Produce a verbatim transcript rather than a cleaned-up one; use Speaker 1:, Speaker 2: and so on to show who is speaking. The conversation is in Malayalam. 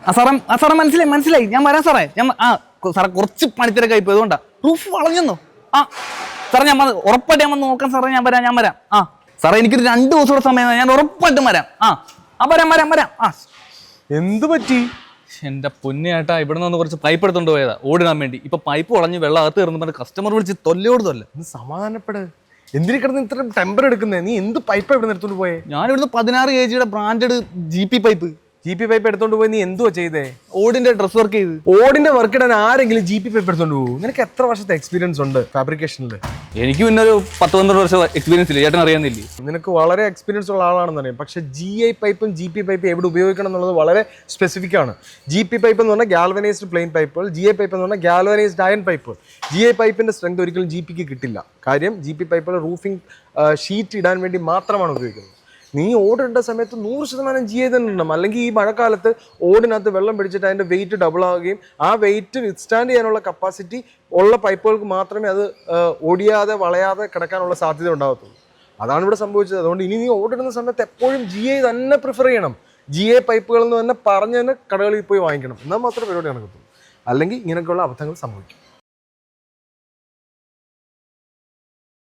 Speaker 1: ആ സാറേ ആ സാറേ മനസ്സിലായി മനസ്സിലായി ഞാൻ വരാം സാറേ ഞാൻ ആ സാറേ കുറച്ച് പണിത്തിരക്കായി പോയി അതുകൊണ്ടാ റൂഫ് വളഞ്ഞെന്നോ ആ സാറേ ഞാൻ ഉറപ്പായിട്ട് ഞാൻ വന്ന് നോക്കാം സാറേ ഞാൻ വരാം ഞാൻ വരാം ആ സാറേ എനിക്കൊരു രണ്ട് ദിവസം കൂടെ സമയം ഞാൻ ഉറപ്പായിട്ടും വരാം ആ ആ വരാം വരാം വരാം ആ
Speaker 2: എന്ത് പറ്റി?
Speaker 1: എന്റെ പൊന്നേട്ടാ ഇവിടെ നിന്ന് കുറച്ച് പൈപ്പ് എടുത്തോണ്ട് പോയതാ ഓടിടാൻ വേണ്ടി ഇപ്പൊ പൈപ്പ് വളഞ്ഞ് വെള്ളം അകത്ത് കയറുന്ന കസ്റ്റമർ വിളിച്ച് തൊല്ലയോട് തൊല്ല.
Speaker 2: സമാധാനപ്പെട്. എന്തിനു കിടന്ന് ഇത്ര ടെമ്പർ എടുക്കുന്നേ? നീ എന്ത് പൈപ്പ് ഇവിടെ എടുത്തോണ്ട് പോയേ?
Speaker 1: ഞാൻ ഇവിടുന്ന് പതിനാറ് കെ ജിയുടെ branded G P pipe
Speaker 2: G P pipe എടുത്തോണ്ട് പോയി നീ എന്തുവാ ചെയ്തേ?
Speaker 1: ഓടിന്റെ ഡ്രസ് വർക്ക് ചെയ്ത്.
Speaker 2: ഓടിന്റെ വർക്ക് ഇടാൻ ആരെങ്കിലും ജി പി പൈപ്പ് എടുത്തോണ്ട് പോകും? നിനക്ക് എത്ര വർഷത്തെ എക്സ്പീരിയൻസ് ഉണ്ട് ഫാബ്രിക്കേഷനിൽ?
Speaker 1: എനിക്ക് പിന്നെ ഒരു പത്ത് പന്ത്രണ്ട് വർഷം എക്സ്പീരിയൻസ് ഇല്ല, ചേട്ടൻ അറിയാന്നില്ലേ?
Speaker 2: നിനക്ക് വളരെ എക്സ്പീരിയൻസ് ഉള്ള ആളാണെന്ന് അറിയാം. പക്ഷെ ജി ഐ പൈപ്പും ജി പി പൈപ്പും എവിടെ ഉപയോഗിക്കണം എന്നുള്ളത് വളരെ സ്പെസിഫിക് ആണ്. ജി പി പൈപ്പ് എന്ന് പറഞ്ഞാൽ ഗാൽവനൈസ്ഡ് പ്ലെയിൻ പൈപ്പുകൾ, ജി ഐ പൈപ്പ് എന്ന് പറഞ്ഞാൽ galvanised iron pipe. G I പൈപ്പിന്റെ സ്ട്രെങ്ത് ഒരിക്കലും ജി പിക്ക് കിട്ടില്ല. കാര്യം ജി പി പൈപ്പുകൾ റൂഫിംഗ് ഷീറ്റ് ഇടാൻ വേണ്ടി മാത്രമാണ് ഉപയോഗിക്കുന്നത്. നീ ഓടിടേണ്ട സമയത്ത് നൂറ് ശതമാനം ജി ഐ തന്നെ ഉണ്ടാവും. അല്ലെങ്കിൽ ഈ മഴക്കാലത്ത് ഓടിനകത്ത് വെള്ളം പിടിച്ചിട്ട് അതിൻ്റെ വെയിറ്റ് ഡബിൾ ആവുകയും ആ വെയിറ്റ് വിത്ത്സ്റ്റാൻഡ് ചെയ്യാനുള്ള കപ്പാസിറ്റി ഉള്ള പൈപ്പുകൾക്ക് മാത്രമേ അത് ഓടിയാതെ വളയാതെ കിടക്കാനുള്ള സാധ്യത ഉണ്ടാകത്തുള്ളൂ. അതാണ് ഇവിടെ സംഭവിച്ചത്. അതുകൊണ്ട് ഇനി നീ ഓടിടുന്ന സമയത്ത് എപ്പോഴും ജി ഐ തന്നെ പ്രിഫർ ചെയ്യണം. ജി ഐ പൈപ്പുകൾ എന്ന് തന്നെ പറഞ്ഞ് തന്നെ കടകളിൽ പോയി വാങ്ങിക്കണം. എന്നാൽ മാത്രമേ പരിപാടി നടക്കത്തുള്ളൂ. അല്ലെങ്കിൽ ഇങ്ങനെയൊക്കെയുള്ള അബദ്ധങ്ങൾ സംഭവിക്കും.